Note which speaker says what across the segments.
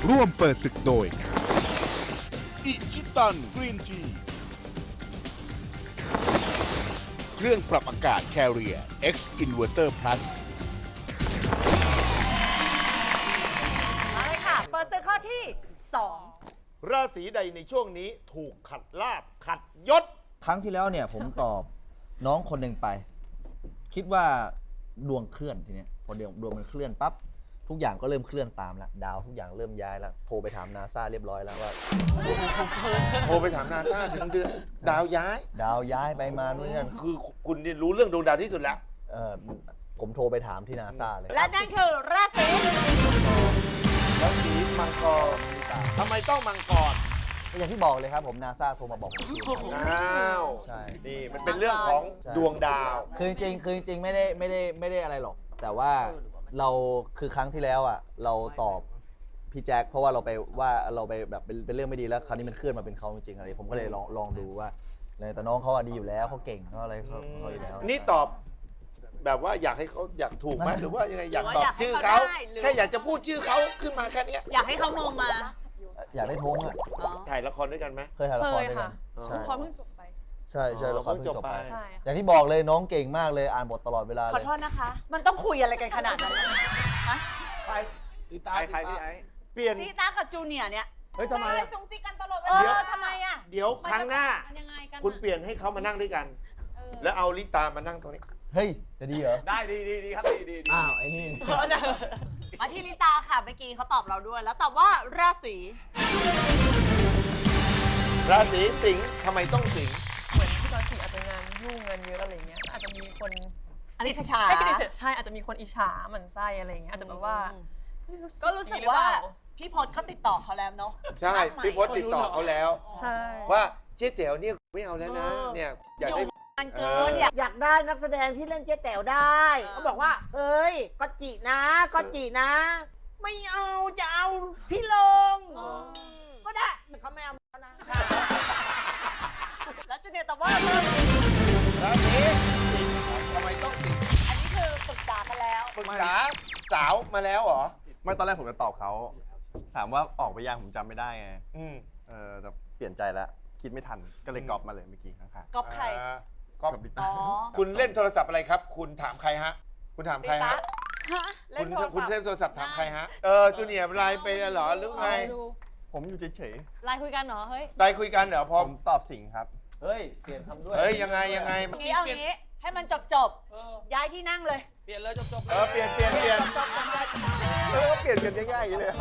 Speaker 1: ร่วมเปิดศึกโดย
Speaker 2: อิชิตันกรีนทีเครื่องปรับอากาศ Carrier X Inverter Plus
Speaker 3: มาเลยค่ะ เปิดศึกข้อที่
Speaker 4: ราศีใดในช่วงนี้ถูกขัดลาบขัดยศ
Speaker 5: ครั้งที่แล้วเนี่ยผมตอบน้องคนหนึ่งไป คิดว่าดวงเคลื่อนทีเนี้ยพอดวงมันเคลื่อนปั๊บทุกอย่างก็เริ่มเคลื่อนตามแล้วดาวทุกอย่างเริ่มย้ายแล้วโทรไปถามนาซาเรียบร้อยแล้วว่า
Speaker 4: โทรไปถามนาซาถึงเดือนดาวย้าย
Speaker 5: ดาวย้ายไปมานู่นนี่นั่น
Speaker 4: คือคุณนี่รู้เรื่องดวงดาวที่สุดแล้ว
Speaker 5: ผมโทรไปถามที่นาซาเลย
Speaker 3: 2 และนั่นคือราศี
Speaker 4: ราศีมังกรทำไมต้องมังกร
Speaker 5: ก็อย่างที่บอกเลยครับผมนาซาโทรมาบอกผม
Speaker 4: อ้าว
Speaker 5: ใช่
Speaker 4: นี่มันเป็นเรื่องของดวงดาว
Speaker 5: คือจริงๆไม่ได้อะไรหรอก แต่ว่าเราคือครั้งที่แล้วอ่ะเราตอบพี่แจ็คเพราะว่าเราไปแบบเป็นเรื่องไม่ดีแล้วคราวนี้มันเคลื่อนมาเป็นเขาจริงๆอะไรผมก็เลยลองดูว่าแต่น้องเขาอะดีอยู่แล้วเขาเก่งเขาอะไรเขาอยู่แล้ว
Speaker 4: นี่ตอบแบบว่าอยากให้เขาอยากถูกไหมหรือว่ายังไงอยากตอบ
Speaker 3: อยากให้
Speaker 4: ชื่อ
Speaker 3: เขา
Speaker 4: เขา
Speaker 3: ได้หรือ
Speaker 4: แค่อยากจะพูดชื่อเขาขึ้นมาแค่เนี้ย
Speaker 3: อยากให้เขามองมา
Speaker 5: อยากได้ทงอ่ะ
Speaker 4: ถ่ายละครด้วยกันไหม
Speaker 5: เคยถ่ายละครด้วยกัน
Speaker 4: เคยค่ะ
Speaker 5: ใช่
Speaker 6: ละครเพิ่งจบไป
Speaker 5: ใช่ละครเพิ่งจบไป
Speaker 6: ใช่
Speaker 5: อย่างที่บอกเลยน้องเก่งมากเลยอ่านบทตลอดเวลา
Speaker 3: ข
Speaker 5: เล
Speaker 3: อย โทษนะคะ มันต้องคุยอะไรกันขนาดนั้นฮะ
Speaker 4: ใครพี่ไอ้เปลี่ยน
Speaker 3: ตีตากับจูเนียร์เนี่ย
Speaker 4: เฮ้ยทำไมอะ
Speaker 3: ส่งซิกกันตลอดเว
Speaker 4: เดี๋ยว
Speaker 3: ลาทำไมอ่ะ
Speaker 4: เดี๋ยวครั้งหน้า
Speaker 6: มันยังไงกัน
Speaker 4: คุณเปลี่ยนให้เขามานั่งด้วยกัน แล้วเอาลิตามานั่งตรงนี้
Speaker 5: เฮ้ยจะดีเหรอ
Speaker 7: ได้ดีครับดี
Speaker 5: อ้าวไอ้นี่
Speaker 3: มาที่ลิตาค่ะเมื่อกี้เขาตอบเราด้วย แล้วตอบว่าราศี
Speaker 4: ราศีสิงห์ทำไมต้องสิงห์
Speaker 6: เหมือนพี่จอยสีอาจจะงานยุ่งงานเยอะอะไรเงี้ยอาจจะมีคน
Speaker 3: อันนี้พชา
Speaker 6: ไม่คิดเฉยๆใช่อาจจะมีคนอิจฉาหมั่นไส้อะไรเงี้ยอาจจะแบบว่า
Speaker 3: ก็รู้สึกว่าพี่พศเขาติดต่อเขาแล้วเนาะ
Speaker 4: ใช่พี่พศติดต่อเขาแล้ว
Speaker 6: ใช่
Speaker 4: ว่าเจ๊เต๋วเนี่ยไม่เอาแล้วนะเนี่ยอยากได้
Speaker 3: มันเกินอยาก
Speaker 8: อยากได้นักแสดงที่เล่นเจ๊แต๋วได้เขาบอกว่าเอ้ยก็จินะก็จินะ ไม่เอาจะเอาพี่ลงก็ได้แต่เขาไม่เอาแล้วนะ
Speaker 3: แล้วจูเนียร์ตอบว่า
Speaker 4: ราศีสิงห์ทำไมต้องสิงห์
Speaker 3: อันนี้คือปรึกษากันแล้ว
Speaker 4: ปรึกษาสาวมาแล้วเหรอ
Speaker 7: ไม่ตอนแรกผมจะตอบเขา ถามว่าออกไปยังผมจำไม่ได้ไง
Speaker 4: อืม
Speaker 7: แต่เปลี่ยนใจแล้ว คิดไม่ทัน ก็เลยกรอบมาเลยเมื่อกี้ข้าง
Speaker 3: ก๊อปใคร
Speaker 4: ก็
Speaker 7: ๆกับลิ
Speaker 3: อ๋
Speaker 7: ต้า
Speaker 3: อ
Speaker 4: คุณเล่นโทรศัพท์อะไรครับ คุณถามใครฮะ คุณถามใครฮะ
Speaker 3: เล่
Speaker 4: คุ
Speaker 3: น
Speaker 4: ณ
Speaker 3: โทร
Speaker 4: คุณ
Speaker 3: ศั
Speaker 4: เล่
Speaker 3: พ
Speaker 4: น
Speaker 3: ท์
Speaker 4: โทรศัพท์ถามใครฮะ จูเนียร์ไลน์ไปเหรอหรือไง
Speaker 7: ผมอยู่เฉย
Speaker 6: ไลน์คุยกันเหรอเฮ้ย
Speaker 4: ไลน์คุยกันเหรอพ
Speaker 7: ๆ
Speaker 4: อ
Speaker 7: ผมตอบสิงห์ครับ
Speaker 5: เฮ้ยเปลี่ยนคำด้วย
Speaker 4: เฮ้ยยังไง
Speaker 3: เอางี้ ให้มันจบย้ายที่นั่งเลย
Speaker 4: เปลี่ยนเปลี่ยน
Speaker 7: เปลี่ยนกันง่ายๆอย่างนี้เลย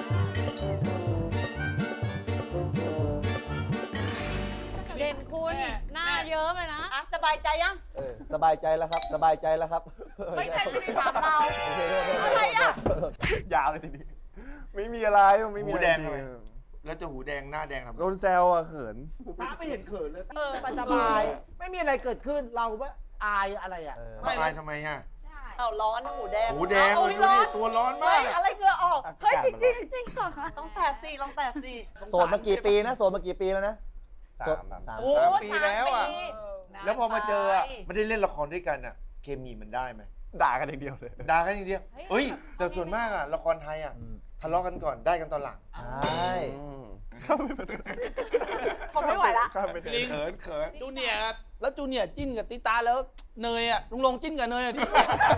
Speaker 3: เด่นคุณหน้าเยิ้มเลยนะอ่ะสบายใจยัง
Speaker 5: สบายใจแล้วครับ สบายใจแล้วครับ
Speaker 3: ไม่ใช่ไม่ได้ถามเรา
Speaker 5: โอเคโทษ
Speaker 3: อะไรอะ
Speaker 7: ยาวเลยทีนี้ ไม่มีอะไรไม่มี
Speaker 4: หู
Speaker 7: อะไร
Speaker 4: แดง
Speaker 7: จ
Speaker 4: ทำ
Speaker 7: ริ
Speaker 4: ไม
Speaker 7: ง
Speaker 4: แล้วจะหูแดงหน้าแดงทำไม
Speaker 7: ๆโดนแซวอะเขิน
Speaker 8: ไม่เห็นเขินเลยสบายไม่มีอะไรเกิดขึ้นเราว่าอายอะไรอ่ะ
Speaker 4: ไม่อายทำไมฮะ
Speaker 3: เอาร้อนหูแดง
Speaker 4: หูแดง
Speaker 3: เอา
Speaker 4: ดู
Speaker 3: ร้อ
Speaker 4: ดิ
Speaker 3: น
Speaker 4: ตัวร้อนมา
Speaker 3: เฮ้
Speaker 4: ก
Speaker 3: ย
Speaker 4: เลย
Speaker 3: อะไรเหงื่อออก เฮ้ย
Speaker 7: อากาศ
Speaker 3: จริงจริงเหรอคะลองแตะสิลองแตะสิ
Speaker 5: โสดมากี่ปีนะโสดมากี่ปีแล้วนะโสด
Speaker 7: 3
Speaker 5: สาม
Speaker 3: โอ้
Speaker 4: 3 ปีแล้วอะ
Speaker 3: 3 ปี
Speaker 4: แล้วพอมาเจออะ
Speaker 3: ไป
Speaker 4: ไม่ได้เล่นละครด้วยกันอะเคมีมันได้ไหม
Speaker 7: ด่ากันอย่างเดียวเลย
Speaker 4: ด่ากันอย่างเดียวเฮ้ย แต่ส่วนมากอะละครไทยอะทะเลาะกันก่อนได้กันตอนหลัง
Speaker 5: ใช่
Speaker 3: ผมไม่ไหวละ
Speaker 7: ลิง
Speaker 4: เขินเขิน
Speaker 9: จูเนียร์ครับแล้วจูเนียร์จิ้นกับติตาแล้วเนยอ่ะลุงลงจิ้นกับเนยอ่ะที่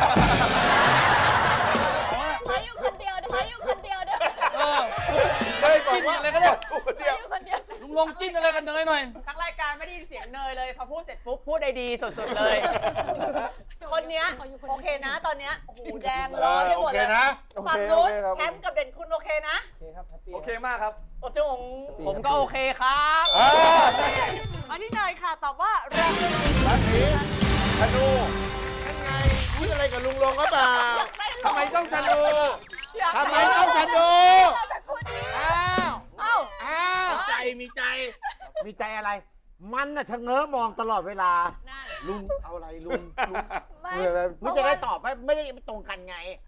Speaker 6: ไปอยู่คนเดียวเด้อ
Speaker 9: เออ
Speaker 4: เฮ้ยบอก
Speaker 9: จิ้น
Speaker 4: ว่า
Speaker 9: อะไรก็ได้
Speaker 4: คนเดียว
Speaker 6: คนเดียว
Speaker 9: ลุงลงจิ้นอะไรกับเนยหน่อย
Speaker 8: ทั้งรายการไม่ได้ยินเสียงเนยเลยพอพูดเสร็จปุ๊บพูดได้ดีสุดๆเลย
Speaker 3: คนเนี้ยโอเคนะตอนเนี้ยหูแดงร้อนไปห
Speaker 4: โอ
Speaker 3: มด
Speaker 4: เค
Speaker 3: เลย
Speaker 4: นะ
Speaker 3: ฝั่งนู้นแชมป์กับเด่นคุณโอเคนะ
Speaker 5: โอเคครับแฮปปี้
Speaker 7: โอเคมากครับ
Speaker 3: โอ้จง
Speaker 8: ผมก็โอเคครับ
Speaker 3: มาที่เนยค่ะตอบว่าราศี
Speaker 4: ราศีธนูนั่นไงพูดอะไรกับลุงลงก็เปล่าทำไมต้องธนูทำไมต้องธนูอ้าว
Speaker 3: เอ้า
Speaker 4: อ้าว
Speaker 9: ใจมีใจ
Speaker 8: มีใจอะไร มันน่ะชะเง้อมองตลอดเวลา
Speaker 3: นั่น
Speaker 8: ลุงเอาอะไรลุงเพื่ออะไรเพื่อจะได้ตอบไม่ได้ตรงกันไง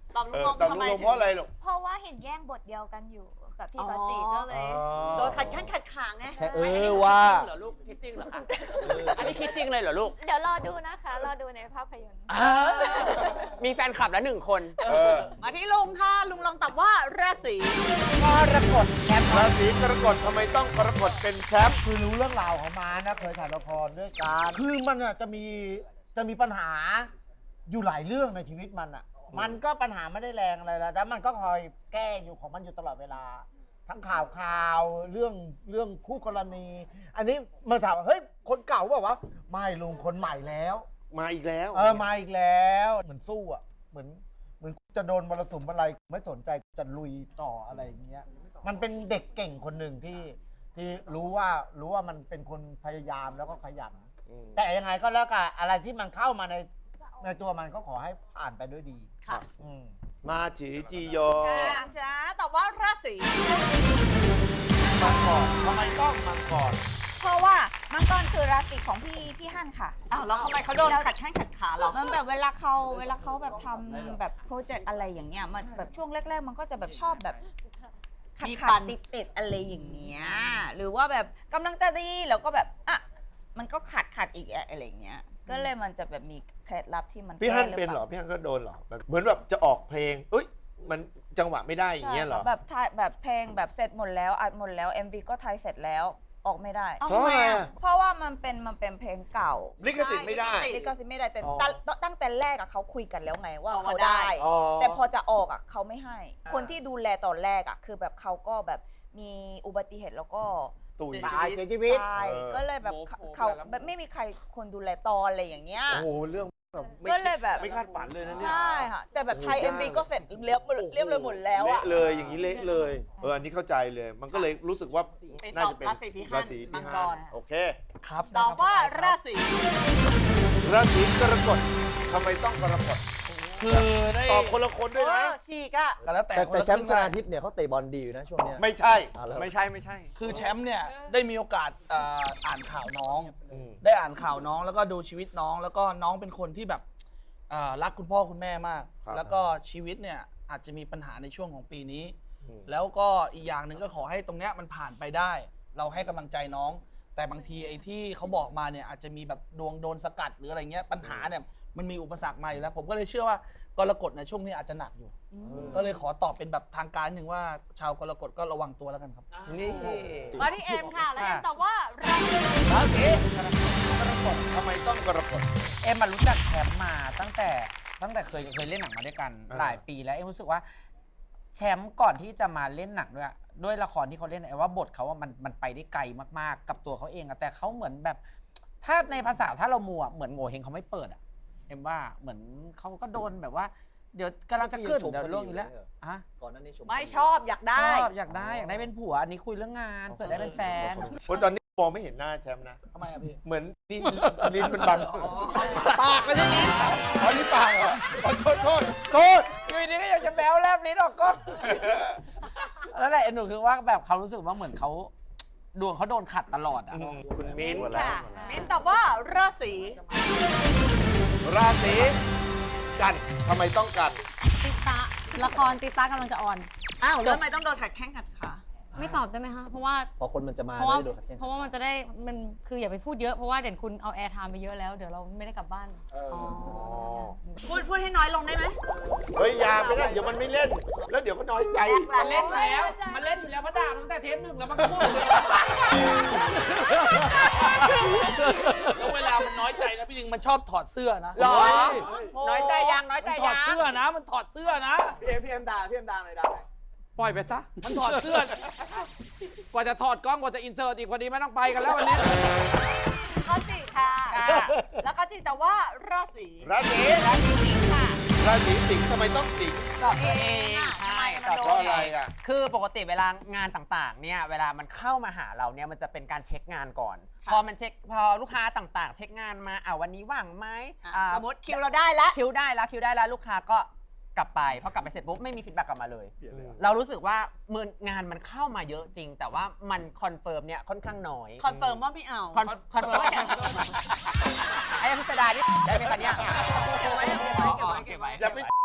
Speaker 3: ตอบลุงลง
Speaker 4: ตอบ
Speaker 3: ทำ
Speaker 4: ลุง
Speaker 3: ไม
Speaker 4: ลงเพราะอะไรลูก
Speaker 1: เพราะว่าเห็นแย่งบทเดียวกันอยู่กับพี่กอตจิก็เลย
Speaker 3: โดนขัดแข้งขัดขาไง
Speaker 5: แค่ว่า
Speaker 8: เหรอลูกคิดจริงเหรอคะอันนี้คิดจริงเลยเหรอลูก
Speaker 1: เดี๋ยวรอดูนะคะ รอดูในภาพยนตร์
Speaker 8: มีแฟนคลับแล้ว1 คน
Speaker 3: มาที่ลุงค่ะ ลุงลองตอบว่าราศี
Speaker 8: กรกฎแชมป์
Speaker 4: ราศีกรกฎทำไมต้องกรกฎเป็นแชมป์
Speaker 10: คือรู้เรื่องราวของมานะเคยถ่ายละครด้วยกันคือมันอ่ะจะมีปัญหาอยู่หลายเรื่องในชีวิตมันอ่ะ มันก็ปัญหาไม่ได้แรงอะไรแล้วแต่มันก็คอยแก้อยู่ของมันอยู่ตลอดเวลา ทั้งข่าวเรื่องคู่กรณี อันนี้มาถามว่าเฮ้ยคนเก่าบอกว่าไม่ลุงคนใหม่แล้ว
Speaker 4: มาอีกแล้ว
Speaker 10: มาอีกแล้วเหมือนสู้อ่ะเหมือนจะโดนมรสุมอะไรไม่สนใจจะลุยต่ออะไรอย่างเงี้ยมันเป็นเด็กเก่งคนหนึ่งที่รู้ว่ามันเป็นคนพยายามแล้วก็ขยัน แต่ยังไงก็แล้วกันอะไรที่มันเข้ามาในตัวมันก็ขอให้ผ่านไปด้วยดี
Speaker 3: ค่ะ
Speaker 4: มาจีจีโย
Speaker 3: จ้าตอบว่าราศี
Speaker 4: มังกรทำไมต้องมังกร
Speaker 1: เพราะว่ามังกรคือราศีของพี่ฮั่นค่ะ
Speaker 3: อ้าวแล้วทำไมเขาโดนขัดแข้งขัดขาเหรอ
Speaker 1: มันแบบเวลาเขาแบบทำแบบโปรเจกต์อะไรอย่างเงี้ยมันแบบช่วงแรกๆ มันก็จะแบบชอบแบบขั
Speaker 3: มี
Speaker 1: ด
Speaker 3: ปัน
Speaker 1: ติดอะไรอย่างเงี้ยหรือว่าแบบกำลังจะดีแล้วก็แบบอ่ะมันก็ขัดอีกอะไรอย่างเงี้ยก็เลยมันจะแบบมีเคล็ดลับที่มัน
Speaker 4: พี่ฮั่น
Speaker 1: แก้
Speaker 4: เป็นเหรอ
Speaker 1: ปล่า
Speaker 4: พี่ฮั่นก็โดนเหรอแบบเหมือนแบบจะออกเพลงเอ้ยมันจังหวะไม่ได้อย่างเงี้ยเหรอ
Speaker 1: ใช่ค่ะแบบถ่ายแบบเพลงแบบเสร็จหมดแล้วอัดหมดแล้ว MV ก็ถ่ายเสร็จแล้วออกไม่ได้
Speaker 4: เพราะอะไรอะ
Speaker 1: เพราะว่ามันเป็นเพลงเก่า
Speaker 4: ลิขสิทธิ์ไม่ได้
Speaker 1: ลิขสิทธิ์ไม่ได้แต่
Speaker 10: อ๋อ
Speaker 1: ตั้งแต่แรกอะเขาคุยกันแล้วไงว่า
Speaker 3: เอามา
Speaker 1: เขา
Speaker 3: ได้
Speaker 1: ได้ แต่พอจะออกอะเขาไม่ให้ คนที่ดูแลตอนแรกอะคือแบบเขาก็แบบมีอุบัติเหตุแล้วก็
Speaker 4: ตุย
Speaker 10: ตายเสียชีวิต
Speaker 1: ตาย
Speaker 4: เออ
Speaker 1: ก็เลยแบบเขาแบบไม่มีใครคนดูแลตอนอะไรอย่างเงี้ย
Speaker 4: โอ้โหเรื่องแบบไม่
Speaker 1: ก็เลยแบบ
Speaker 4: ไม่คาดฝันเลยนะเนี่ย
Speaker 1: ใช่ค่ะแต่แบบไทย MV ก็เสร็จเรียบเลยหมดแล้วอะ
Speaker 4: เละเลยอย่างนี้เละเลยอันนี้เข้าใจเลย มันก็เลยรู้สึกว่า
Speaker 3: ไป
Speaker 4: น่า
Speaker 3: ตอบ
Speaker 4: จะเป็น
Speaker 3: ราศีพี่ฮั่น
Speaker 4: ราศี
Speaker 3: มั
Speaker 4: พี่
Speaker 3: ง
Speaker 4: ฮั่
Speaker 3: ก
Speaker 4: น
Speaker 3: ร
Speaker 4: โอเค
Speaker 9: ครับ
Speaker 3: ตอบว่าราศี
Speaker 4: ราศีกรกฎทำไมต้องกรกฎ
Speaker 9: คือได้
Speaker 4: ตอบคนละคนด้วยนะ
Speaker 3: ฉีกอะ
Speaker 9: ก็แล้วแต่
Speaker 5: แต่แชมป์ช
Speaker 9: คนละ
Speaker 5: นาทิพย์เนี่ยเขาเตะบอลดีอยู่นะช่วงเนี้ย
Speaker 4: ไม่ใช่
Speaker 5: อ่ะแล้ว
Speaker 7: ไม่ใช่
Speaker 9: คือแชมป์เนี่ยได้มีโอกาสอ่านข่าวน้อง
Speaker 4: อืม
Speaker 9: ได้อ่านข่าวน้องแล้วก็ดูชีวิตน้อง แล้วก็น้องเป็นคนที่แบบรักคุณพ่อคุณแม่มาก
Speaker 4: ครับ
Speaker 9: แล้วก็ชีวิตเนี่ยอาจจะมีปัญหาในช่วงของปีนี้
Speaker 4: อืม
Speaker 9: แล้วก็อีกอย่างหนึ่งก็ขอให้ตรงเนี้ยมันผ่านไปได้ เราให้กำลังใจน้อง แต่บางทีไอ้ที่เขาบอกมาเนี่ยอาจจะมีแบบดวงโดนสกัดหรืออะไรเงี้ยปัญหาเนี่ยมันมีอุปสรรคมาอยู่แล้ว ผมก็เลยเชื่อว่ากรกฎในช่วงนี้อาจจะหนักอยู่ ก็เลยขอตอบเป็นแบบทางการหนึ่งว่าชาวกรกฎก็ระวังตัวแล้วกันครับ
Speaker 4: นี่
Speaker 3: มาที่เอ็มค่ะ แล้วเอ็มตอบว่าราศี
Speaker 9: โอเค
Speaker 4: ทำไมต้องกรกฎ
Speaker 8: เอ็มมารู้จักแชมป์มาตั้งแต่เคยเล่นหนังมาด้วยกัน
Speaker 4: อ่า
Speaker 8: หลายปีแล้วเอ็มรู้สึกว่าแชมป์ก่อนที่จะมาเล่นหนังด้วยละครที่เขาเล่นเอ็มว่าบทเขาว่ามันไปได้ไกลมากๆกับตัวเขาเองอะแต่เขาเหมือนแบบ ถ้าในภาษาถ้าเรามัวเหมือนโง่เฮงเขาไม่เปิดอะเอ็มว่าเหมือนเขาก็โดนแบบว่า เดี๋ยวกำลังจะขึ้นเดี๋ยวล่วงอีกแล้วอะ
Speaker 5: ก่อนหน้านี้ชม
Speaker 3: ไม่ชอบอยากได้
Speaker 8: ชอบอยากได้เป็นผัวอันนี้คุยเรื่องงานเปิดได้เป็นแฟน
Speaker 4: เพราะตอนนี้มองไม่เห็นหน้าแชมป์นะ
Speaker 9: ทำไมอะพี่
Speaker 4: เหมือนนี่ลิ้นมันบัง
Speaker 8: ปากไม่ใช่ลิ้น
Speaker 4: อ๋อนี่ปากเหรออ๋อโทษ
Speaker 8: อยู่ดีก็อยากจะแบวแลบลิ้นออกก็แล้วแหละหนูคือว่าแบบเขารู้สึกว่าเหมือนเขาดวงเขาโดนขัดตลอดอ่ะ
Speaker 4: คุณมิ้น
Speaker 3: ค่ะมิ้นตอบว่าราศี
Speaker 4: ราศีกันทำไมต้องกัน
Speaker 11: ติตาละครติตากำลังจะออน
Speaker 3: อ้าวแล้วทำไมต้องโดนขัดแข้งขัดขา
Speaker 11: ไม่ตอบได้ไหมคะเพราะว่า
Speaker 5: พอคนมันจะมา
Speaker 11: เพราะว่า
Speaker 5: ไม่ได้โดนขัดแย้ง
Speaker 11: เพราะว่ามันจะได้มันคืออย่าไปพูดเยอะเพราะว่าเด่นคุณเอาแอร์ไทม์ไปเยอะแล้วเดี๋ยวเราไม่ได้กลับบ้าน
Speaker 3: พูดให้น้อยลงได้ไหม
Speaker 4: เฮ้ยอยาไม่ได้เดี๋ยวมันไม่เล่น แล้วเดี๋ยวก็น้อยใจ
Speaker 8: มันเล่นอยู่แล้วมันเล่นอยู่แล้วเพราะด่าตั้งแต่เทปหนึ่งแล้วมันพูดเลย
Speaker 9: แล้วเวลามันน้อยใจนะพี่ลิงมันชอบถอดเสื้อนะ
Speaker 8: หรอ
Speaker 9: เฮ้ย
Speaker 8: น้อยใจยัง
Speaker 9: มันถอดเสื้อนะ มันถอดเสื้อนะ
Speaker 5: พี่เอ็มด่าหน่อยด่าหน่อย
Speaker 8: ปล่อยไปซะ
Speaker 9: มันถอดเสื้อ
Speaker 8: กว่าจะถอดกล้องกว่าจะอินเสิร์ตอีกพอดีไม่ต้องไปกันแล้ววันนี้
Speaker 3: ข้อสี่ค่ะ
Speaker 8: ค่ะ
Speaker 3: แล้วก็จิตแต่ว่าราศี
Speaker 4: ราศี
Speaker 8: สิงค่ะ
Speaker 4: ราศีสิงห์ทำไมต้องสิงห์
Speaker 8: ตอบตัวเองใช่ตอบ
Speaker 4: เพ
Speaker 8: ตัว
Speaker 4: ราะ
Speaker 8: เอ
Speaker 4: อะไร
Speaker 8: ง
Speaker 4: อ่ะ
Speaker 12: คือปกติเวลางานต่างๆ เนี่ย เวลามันเข้ามาหาเราเนี่ย มันจะเป็นการเช็คงานก่อน พอลูกค้าต่างๆ เช็คงานมาวันนี้ว่างไหม
Speaker 3: สมมติคิวเราได้แล้ว
Speaker 12: คิวได้แล้วลูกค้าก็กลับไปพอกลับไปเสร็จปุ๊บไม่มีฟีดแบ็กกลับมาเลย เรารู้สึกว่างานมันเข้ามาเยอะจริง แต่ว่ามันคอนเฟิร์มเนี่ยค่อนข้างน้อย
Speaker 3: คอนเฟิร์มว่าไม่เอา
Speaker 12: คอนเฟิร์มไอ้พิสดารนี่ได้ไหมคะเนี่ย
Speaker 3: เก็บไว้
Speaker 4: อย่าไป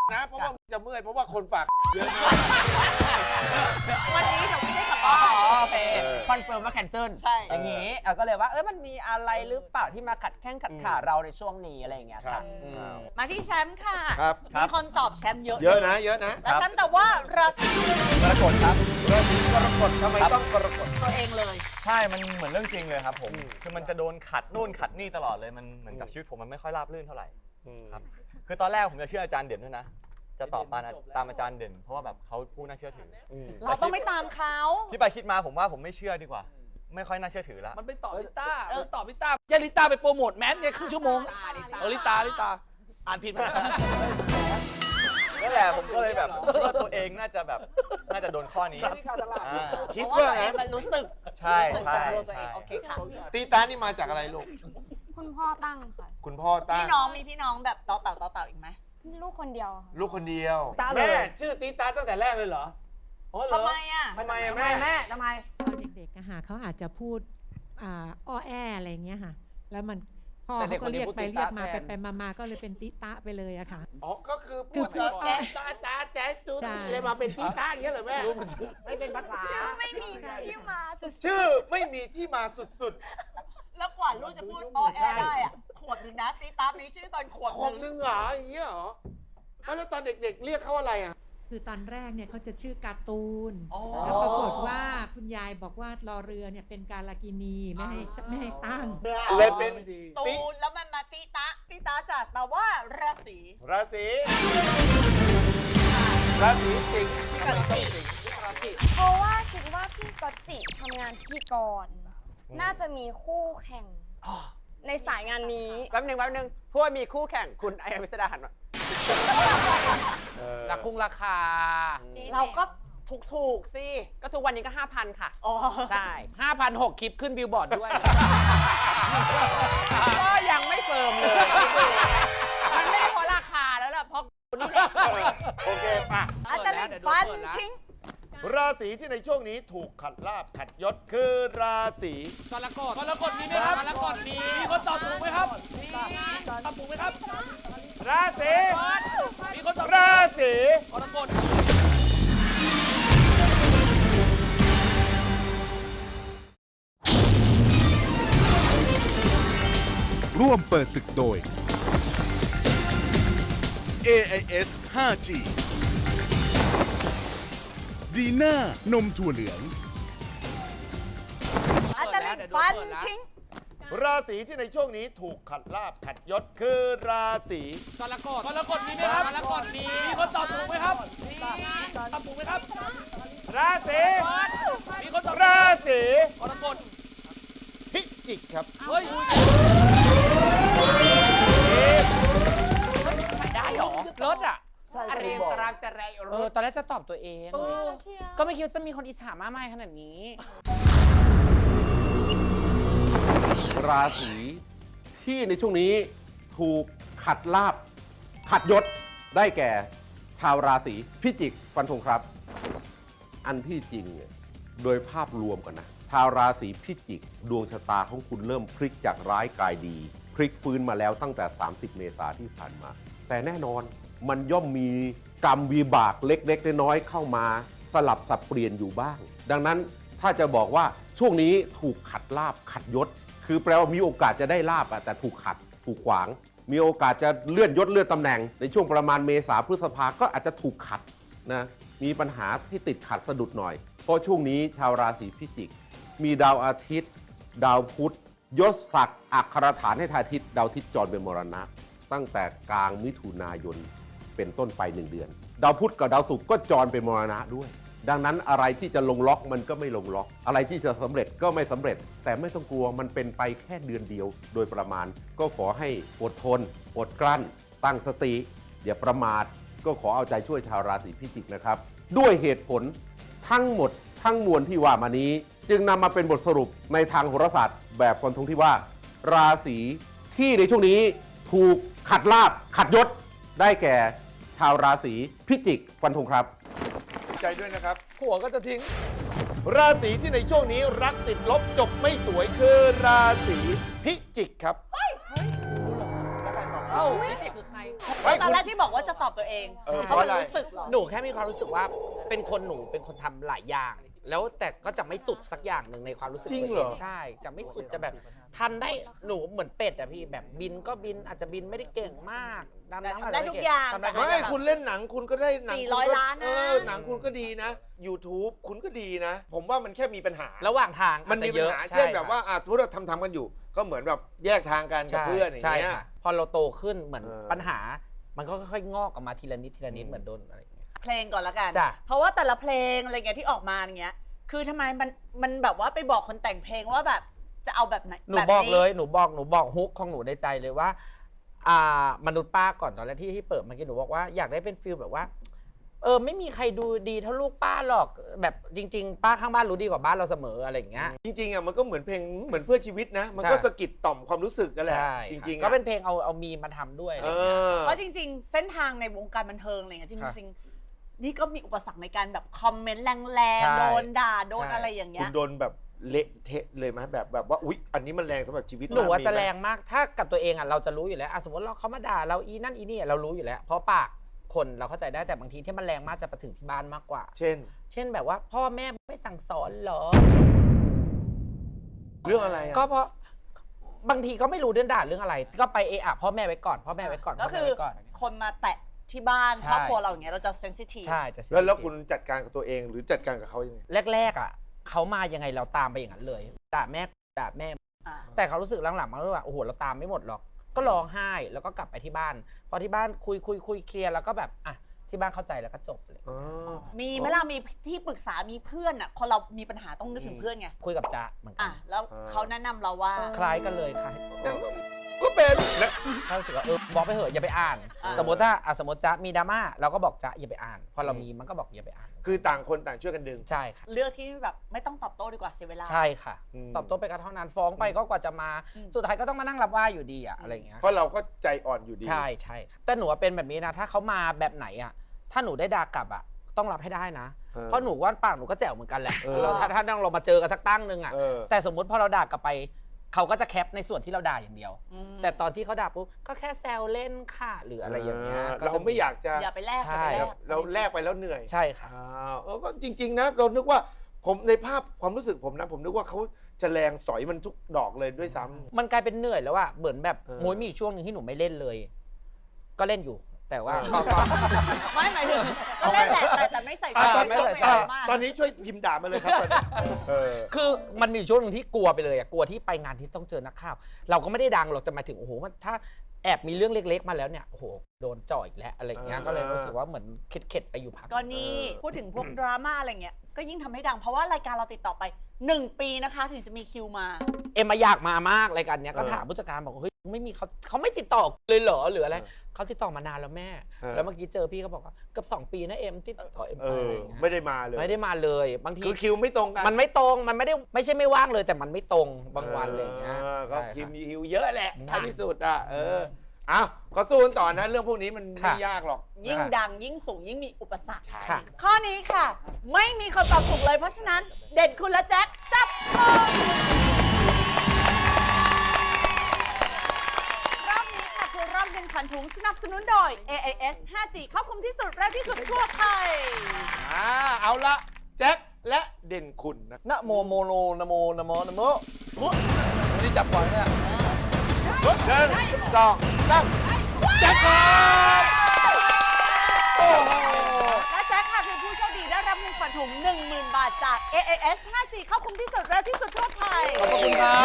Speaker 4: นะเพราะว่าจะเมื่อยเพราะว่าคนฝากเยอะมาก
Speaker 3: วันนี้เดี๋ยวไม่ได้กลับบ้าน
Speaker 12: โอเคคอนเฟิร์มว่าแคนเซิล
Speaker 3: ใช่
Speaker 12: อย่างนี้ก็เลยว่ามันมีอะไรหรือเปล่าที่มาขัดแข้งขัดขาเราในช่วงนี้อะไรอย่างเงี้ยค่ะ
Speaker 3: มาที่แชมป์ค่ะ
Speaker 4: ครับ
Speaker 3: มีคนตอบแชมป์เยอะ
Speaker 4: เยอะนะเยอะนะ
Speaker 3: แล้วแชมป์แต่ว่าราศี
Speaker 7: กรกฎครับ
Speaker 4: ราศีกรกฎทำไมต้องกรกฎ
Speaker 3: ตัวเองเลย
Speaker 7: ใช่ มันเหมือนเรื่องจริงเลยครับผม คือมันจะโดนขัดนู่นขัดนี่ตลอดเลย มันเหมือนกับชีวิตผมมันไม่ค่อยราบรื่นเท่าไหร่ครับ คือตอนแรกผมจะเชื่ออาจารย์เด่นด้วยนะ จะตอบตามอาจารย์เด่น เพราะว่าแบบเขาผู้น่าเชื่อถือ
Speaker 3: เราต้องไม่ตามเขา
Speaker 7: ที่ไปคิดมาผมว่าผมไม่เชื่อดีกว่า ไม่ค่อยน่าเชื่อถือแล้ว
Speaker 9: มันไปตอบลิต้าตอบลิต้าแย่ลิต้าไปโปรโมทแมสไงครึ่งชั่วโมงลิต้าอ่านผิดไหม
Speaker 7: นั่นแหละผมก็เลยแบบคิดว่าตัวเองน่าจะโดนข้อนี้
Speaker 4: คิด
Speaker 3: เพราะว่า
Speaker 4: ว่า
Speaker 3: ตัวเอง
Speaker 4: ไง
Speaker 3: มันรู้สึก
Speaker 7: ใช่
Speaker 3: รู้สึก
Speaker 7: ใช่
Speaker 3: จากตัวตัวเอ
Speaker 7: ใช่
Speaker 3: งโอเคค่ะ
Speaker 4: ตีตานี่มาจากอะไรลูก
Speaker 11: คุณพ่อตั้งค่ะ
Speaker 4: คุณพ่อตั้
Speaker 3: พี่
Speaker 4: ง
Speaker 3: น้องมีพี่น้องแบบต่อเต่าอีกไหม
Speaker 11: ลูกคนเดียวค่ะ
Speaker 4: ลูกคนเดียว
Speaker 9: แม่ชื่อตีตาตั้งแต่แรกเลยเหรอ
Speaker 3: ทำไมอ่ะ
Speaker 9: ทำไมแม่ทำไม
Speaker 13: ตอนเด็กๆอะค่ะเขาอาจจะพูดอ้อแออะไรอย่างเงี้ยค่ะ แล้วมันพ่อ
Speaker 9: แต่เด็
Speaker 13: เขา
Speaker 9: ก
Speaker 13: ก็เรียก
Speaker 9: คนนี้
Speaker 13: ไป
Speaker 9: พูด
Speaker 13: เรียกมา
Speaker 9: ติตะแทน
Speaker 13: ไปมาก็เลยเป็นติตะไปเลยอะค่ะ
Speaker 4: อ๋อก็คือพู
Speaker 13: คือ
Speaker 4: ด
Speaker 13: พูด
Speaker 9: แต่ตู
Speaker 13: ใช่
Speaker 9: เลยมาเป็นตีตาอย่างเงี้ยเหรอแม่ไม่เป็นภาษา
Speaker 11: ไม่มีที่มาสุด
Speaker 4: ชื่อไม่มีที่มาสุด
Speaker 3: แล้วกว่าลูกจะพูดออแอได้อ่ะขวบหนึ่งนะตีตามีชื่อตอนขวบ
Speaker 4: ๆค
Speaker 3: ห
Speaker 4: น
Speaker 3: นึ่ง
Speaker 4: นึงเหรออย่างเงี้ยเหรอแล้วตอนเด็กๆเรียกเขาอะไรอ่ะ
Speaker 13: คือตอนแรกเนี่ยเขาจะชื่อการ์ตูน
Speaker 9: อ๋อ
Speaker 13: แล้วปรากฏว่าคุณยายบอกว่ารอเรือเนี่ยเป็นการากินีไม่ให้ตั้ง
Speaker 4: เลยเป็น
Speaker 3: ตูนแล้วมันมาตีตาจากแต่ว่าราศี
Speaker 4: ราศีสิงห์ทำไมต้องสิงห์
Speaker 11: เพราะว่าคิดว่าพี่ก๊อตจิทำงานพิธีกร น่าจะมีคู่แข่ง ในสายงานนี้
Speaker 12: แป๊บหนึงพวกมีคู่แข่งคุณไอวิสดาหันมา
Speaker 9: ราคา
Speaker 3: เราก็ถูกสิ
Speaker 12: ก็ทุกวันนี้ก็ 5,000 ค่ะ
Speaker 3: อ๋อ
Speaker 12: ใช่
Speaker 9: 5,600 คลิปขึ้นบิลบอร์ดด้วย
Speaker 12: ก็ยังไม่เฟิร์มเลย มันไม่ได้เพราะราคาแล้วล่ะ เพราะนี่แหละ
Speaker 4: โอเคป่ะ
Speaker 3: อาจารย์ลิงฟันทิ้ง
Speaker 4: ราศีที่ในช่วงนี้ถูกขัดลาบขัดยศคือราศี
Speaker 9: กรกฎมีไหมครับกรกฎมีคนตอบถูกไหมครับตอบถูกไหมครับ
Speaker 4: ราศี
Speaker 9: มีคนตอบ
Speaker 4: ราศี
Speaker 9: กรกฎ
Speaker 2: ร่วมเปิดศึกโดย AIS 5G ดีน่านมถั่วเหลือง
Speaker 3: อาจารย์ลิงฟันทิ้ง
Speaker 4: ราศีที่ในช่วงนี้ถูกขัดลาบขัดยศคือราศี
Speaker 9: กรกฎมีไหมครับกรกฎมีคนตอบถูกไหมครับตอบถูกไหมครับ
Speaker 4: ราศี
Speaker 9: มีคนตอบ
Speaker 4: ราศี
Speaker 9: กรกฎ
Speaker 4: พิจิกครับ
Speaker 9: เฮ้ยได้หรอรถอ่ะ
Speaker 12: เรียงตารางแต่ไร
Speaker 8: ตอนแรกจะตอบตัวเอง ก็ไม่คิดว่าจะมีคนอิจฉามากมายขนาดนี้
Speaker 14: ราศีที่ในช่วงนี้ถูกขัดลาบขัดยศได้แก่ชาวราศีพิจิกฟันธงครับ อันที่จริงเนี่ยโดยภาพรวมกันนะชาวราศีพิจิกดวงชะตาของคุณเริ่มพลิกจากร้ายกลายดี พลิกฟื้นมาแล้วตั้งแต่ 30 เมษายนที่ผ่านมา แต่แน่นอนมันย่อมมีกรรมวิบากเล็กๆน้อยๆเข้ามาสลับสับเปลี่ยนอยู่บ้าง ดังนั้นถ้าจะบอกว่าช่วงนี้ถูกขัดลาบขัดยศคือแปลว่ามีโอกาสจะได้ลาบแต่ถูกขัดถูกขวางมีโอกาสจะเลื่อนยศเลื่อนตำแหน่งในช่วงประมาณเมษาพฤษภาก็อาจจะถูกขัดนะมีปัญหาที่ติดขัดสะดุดหน่อยเพราะช่วงนี้ชาวราศีพิจิกมีดาวอาทิตย์ดาวพุธยศศักดิ์อักขรฐานให้ทายอาทิตย์ดาวอาทิตย์จรเป็นมรณะตั้งแต่กลางมิถุนายนเป็นต้นไป1 เดือนดาวพุธกับดาวศุกร์ก็จรเป็นมรณะด้วยดังนั้นอะไรที่จะลงล็อกมันก็ไม่ลงล็อกอะไรที่จะสำเร็จก็ไม่สำเร็จแต่ไม่ต้องกลัวมันเป็นไปแค่เดือนเดียวโดยประมาณก็ขอให้อดทนอดกลั้นตั้งสติอย่าประมาทก็ขอเอาใจช่วยชาวราศีพิจิกนะครับด้วยเหตุผลทั้งหมดทั้งมวลที่ว่ามานี้จึงนำมาเป็นบทสรุปในทางโหราศาสตร์แบบฟันธงที่ว่าราศีที่ในช่วงนี้ถูกขัดลาบขัดยศได้แก่ชาวราศีพิจิกฟันธงครับ
Speaker 4: ใจด้วยนะครับ
Speaker 9: หัวก็จะทิ้ง
Speaker 4: ราศีที่ในช่วงนี้รักติดลบจบไม่สวยคือราศีพิจิกครับ
Speaker 9: เอ้าพิจิกคือใคร
Speaker 3: ตอนแรกที่บอกว่าจะตอบตัวเอง
Speaker 4: เพ
Speaker 3: เขา
Speaker 4: ราะอะไร
Speaker 3: รู้สึกเหรอ
Speaker 8: หนูแค่มีความรู้สึกว่าเป็นคนทำหลายอย่าง แล้วแต่ก็จะไม่สุดสักอย่างหนึ่งในความรู้สึก
Speaker 4: จริง
Speaker 8: ตัว
Speaker 4: เหร
Speaker 8: เอ
Speaker 4: อ
Speaker 8: งใช่จะไม่สุดจะแบบทันได้หนูเหมือนเป็ดอะพี่แบบบินก็บินอาจจะบินไม่ได้เก่งมากดำน้ำอาจจะ
Speaker 3: ได้ทุกอย่าง
Speaker 8: ทำได้ทุก
Speaker 4: ไม่
Speaker 8: อย่าง
Speaker 4: คุณเล่นหนังคุณก็ได้หนัง
Speaker 3: 400
Speaker 4: คุณก็
Speaker 3: ล้านนะ
Speaker 4: หนังคุณก็ดีนะ YouTube คุณก็ดีนะ ผมว่ามันแค่มีปัญหา
Speaker 8: ระหว่างทาง
Speaker 4: มันมี
Speaker 8: อาจจะ
Speaker 4: ปั
Speaker 8: เย
Speaker 4: ญ
Speaker 8: อะ
Speaker 4: หา
Speaker 8: ใช่
Speaker 4: เช่นแบบ
Speaker 8: ค่ะ
Speaker 4: ว่าสมมติเราทำกันอยู่ ก็เหมือนแบบแยกทางกันกับ
Speaker 8: ใช่
Speaker 4: เพื่อนอย่าง
Speaker 8: ใช่
Speaker 4: เงี้ย
Speaker 8: ค่ะพอเราโตขึ้นเหมือน
Speaker 4: เออ
Speaker 8: ปัญหา มันก็ค่อยๆงอกออกมาทีละนิดเหมือนโดนอะไรอย่างเงี้ย
Speaker 3: เพลงก่อนละกัน
Speaker 8: จ้ะ
Speaker 3: เพราะว่าแต่ละเพลงอะไรเงี้ยที่ออกมาอย่างเงี้ย คือทำไมมันแบบว่าไปบอกคนแต่งเพลงว่าแบบจะเอาแบบไหน
Speaker 8: หนูบอกเลยหนูบอกฮุกของหนูในใจเลยว่ามนุษย์ป้าก่อนตอนแรกที่เปิดเมื่อกี้หนูบอกว่าอยากได้เป็นฟิลแบบว่าไม่มีใครดูดีเท่าลูกป้าหรอกแบบจริง ๆ ป้าข้างบ้านรู้ดีกว่าบ้านเราเสมออะไรอย่างเงี้ย
Speaker 4: จริงๆมันก็เหมือนเพลงเหมือนเพื่อชีวิตนะ มันก็
Speaker 8: ใช่
Speaker 4: สะกิดต่อมความรู้สึกกันแหละ
Speaker 8: ใช่
Speaker 4: จริงๆ
Speaker 8: ก็เป็นเพลงเอามีมาทำด้วยอะไรอย่างเงี้ย
Speaker 3: เพราะจริง ๆ เส้นทางในวงการบันเทิงอะไรเงี้ยจ
Speaker 8: ครับ
Speaker 3: ริงๆนี่ก็มีอุปสรรคในการแบบคอมเมนต์แรง
Speaker 8: ใช่
Speaker 3: ๆโดนด่าโดน
Speaker 8: ใช่
Speaker 3: อะไรอย่าง
Speaker 4: คุ
Speaker 3: เงี้
Speaker 4: ณ
Speaker 3: ย
Speaker 4: โดนแบบเละเทะเลยไหมแบบว่าอุ๊ยอันนี้มันแรงสำหรับชีวิต
Speaker 8: หนูว่า
Speaker 4: มีไม
Speaker 8: จะแรงมากถ้ากับตัวเองเราจะรู้อยู่แล้วสมมติเขามาด่าเราอีนั่นอีนี่เรารู้อยู่แล้ว เพราะปากคนเราเข้าใจได้แต่บางทีที่มันแรงมากจะไปถึงที่บ้านมากกว่า
Speaker 4: เช่น
Speaker 8: แบบว่าพ่อแม่ไม่สั่งสอนเหรอ
Speaker 4: เรื่องอะไรอ่ะ
Speaker 8: ก็เพราะบางทีก็ไม่รู้เรื่องด่าเรื่องอะไร ก็ไปพ่อแม่ไว้ก่อนพ่อแม่ไว้ก่อน
Speaker 3: ก็คือ
Speaker 8: พ่แม่ไว้ก่อน
Speaker 3: คนมาแตะที่บ้าน
Speaker 8: ใช่
Speaker 3: ครอบครัวเราอย่างเงี้ยเราจะเซนซิทีฟ
Speaker 8: ใช่จะ
Speaker 4: แล้วคุณจัดการกับตัวเองหรือจัดการกับเขายังไง
Speaker 8: แรกเขามายังไงเราตามไปอย่างนั้นเลยด่าแม่แต่เขารู้สึกหลังๆมาว่าโอ้โหเราตามไม่หมดหรอก ก็ร้องไห้แล้วก็กลับไปที่บ้านพอที่บ้านคุยเคลียร์แล้วก็แบบที่บ้านเข้าใจแล้วก็จบเลย
Speaker 3: มีเวลามีที่ปรึกษามีเพื่อนอ่ะคนเรามีปัญหาต้องนึกถึงเพื่อนไง
Speaker 8: คุยกับจ๊ะเหมือนกั
Speaker 3: แล้วเขาแนะนำเราว่า
Speaker 8: คล้ายกันเลยค่ะ
Speaker 4: ก็เป็น
Speaker 8: เขารู้สึกว่าบอกไปเหอะอย่าไปอ่าน สมมติจ๊ะมีดราม่าเราก็บอกจ๊ะอย่าไปอ่านพอเรามีมันก็บอกอย่าไปอ่าน
Speaker 4: คือต่างคนต่างช่วยกันดึง
Speaker 8: ใช่ค่ะ
Speaker 3: เลือกที่แบบไม่ต้องตอบโต้ดีกว่าเสียเวลา
Speaker 8: ใช่ค่ะ ตอบโต้ไปก็เท่านั้นฟ้องไปก็กว่าจะมาสุดท้ายก็ต้องมานั่งรับว่าอยู่ดีอะไรอย่างเงี้ย
Speaker 4: เพราะเราก็ใจอ่อนอยู่ดี
Speaker 8: ใช่ค่ะแต่หนูเป็นแบบนี้นะถ้าเขามาแบบไหนถ้าหนูได้ด่ากลับต้องรับให้ได้นะ เพราะหนูว่าปากหนูก็แจ๋วเหมือนกันแหละถ้าเรามาเจอกันสักตั้งนึงแต่สมมุติพอเราด่ากลับไปเขาก็จะแคปในส่วนที่เราด่าอย่างเดียว แต่ตอนที่เขาด่าปุ๊บก็แค่แซวเล่นค่ะหรืออะไรอย่างเงี้ย
Speaker 4: เราไม่อยากจะ
Speaker 3: อย่าไปแลก
Speaker 8: ใช่
Speaker 4: เราแลกไปแล้วเหนื่อย
Speaker 8: ใช่ค่ะ
Speaker 4: ก็จริงๆนะเรานึกว่าผมในภาพความรู้สึกผมนะผมนึกว่าเขาจะแรงสอยมันทุกดอกเลยด้วยซ้ำ
Speaker 8: มันกลายเป็นเหนื่อยแล้วเหมือนแบบโมยมีช่วงหนึ่งที่หนูไม่เล่นเลย ก็เล่นอยู่ แต่ว่าก็
Speaker 3: ไม่หมายถึงก็เล่นแหละแต่ไม่ใส่ใจ
Speaker 8: ไม่ใส่ใจ
Speaker 3: มาก
Speaker 4: ตอนนี้ช่วยพิมพ์ด่ามาเลยครับตอนนี้
Speaker 8: คือมันมีช่วงหนึงที่กลัวไปเลยกลัวที่ไปงานที่ต้องเจอนักข่าว เราก็ไม่ได้ดังหรอกแต่หมายถึงโอ้โหถ้าแอบมีเรื่องเล็กๆมาแล้วเนี่ยโอ้โหโดนจ่ออีกแล้วอะไรอย่างเงี้ยก็เลยรู้สึกว่าเหมือนเข็ดๆไปอยู่พัก
Speaker 3: ก็นี่พูดถึงพวกดราม่าอะไรเงี้ยก็ยิ่งทำให้ดังเพราะว่ารายการเราติดต่อไป1 ปีนะคะถึงจะมีคิวมา
Speaker 8: มาอยากมามากรายการเนี้ยก็ถามผู้จัดการบอกเฮ้ยไม่มีเขาไม่ติดต่อเลยเหรอหรืออะไรเขาติดต่อมานานแล้วแม่ แล้วเมื่อกี้เจอพี่เขาบอกว่าเกือบ2 ปีนะที่ติดต่อไปอะไรอย่างเงี้ย
Speaker 4: ไม่ได้มาเลย
Speaker 8: ไม่ได้มาเลยบางที
Speaker 4: คือคิวไม่ตรงกัน
Speaker 8: มันไม่ตรงมันไม่ใช่ไม่ว่างเลยแต่มันไม่ตรงบางวันอะไรอย่างเงี้ย
Speaker 4: ก็
Speaker 8: ใช่
Speaker 4: คิว
Speaker 8: ค่ะ
Speaker 4: มีคิวเยอะแหละท้ายที่สุดเอาก็สู้กันต่อนะเรื่องพวกนี้มันไม่ยากหรอก
Speaker 3: ยิ่งดังยิ่งสูงยิ่งมีอุปสรรค
Speaker 8: ค่ะ
Speaker 3: ข้อนี้ค่ะ ไม่มีคำตอบถูกเลยเพราะฉะนั้นเด่นคุณและแจ็คจับมือรอบนี้ค่ะคือรอบเงินขวัญถุงสนับสนุนโดย AIS 5G ครอบคลุมที่สุดเร็วที่สุดทั่วไทย
Speaker 4: เอาละแจ็คและเด่นคุณนะ
Speaker 5: นะโมโมโนนะโมนะโมนะโมไม่ได้จับก่อนเนี่ย
Speaker 4: 1 2 3แจ็คครับโอ้โห
Speaker 3: และแจ็คค่ะเป็นผู้โชคดีได้รับเงินขวัญถุง 10,000 บาทจาก AIS 5G ครอบคลุมที่สุดเร็วที่สุดทั่วไทย
Speaker 5: ขอบคุณครับ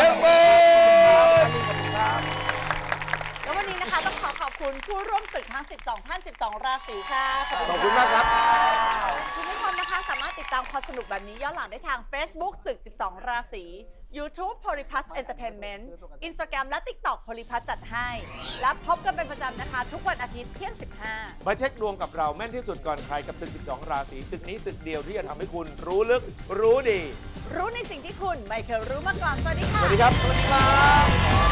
Speaker 3: แล้ววันนี้นะคะต้องขอบคุณผู้ร่วมศึกทั้ง 12 ท่าน 12 ราศีค่ะ
Speaker 4: ขอบคุณมากครับ
Speaker 3: คุณผู้ชมนะคะสามารถติดตามความสนุกแบบนี้ย้อนหลังได้ทาง Facebook ศึก 12 ราศี YouTube Polyplus Entertainment Instagram และ TikTok Polyplus จัดให้ และพบกันเป็นประจำนะคะ ทุกวันอาทิตย์เที่ยง 15
Speaker 4: มาเช็คดวงกับเราแม่นที่สุดก่อนใครกับศึก 12 ราศีศึกนี้ศึกเดียวที่จะทำให้คุณรู้ลึกรู้ดี
Speaker 3: รู้ในสิ่งที่คุณไม่เคยรู้มาก่อน สวัสดีค่ะ
Speaker 4: สวัสดีครับ
Speaker 3: สวัสดีครับ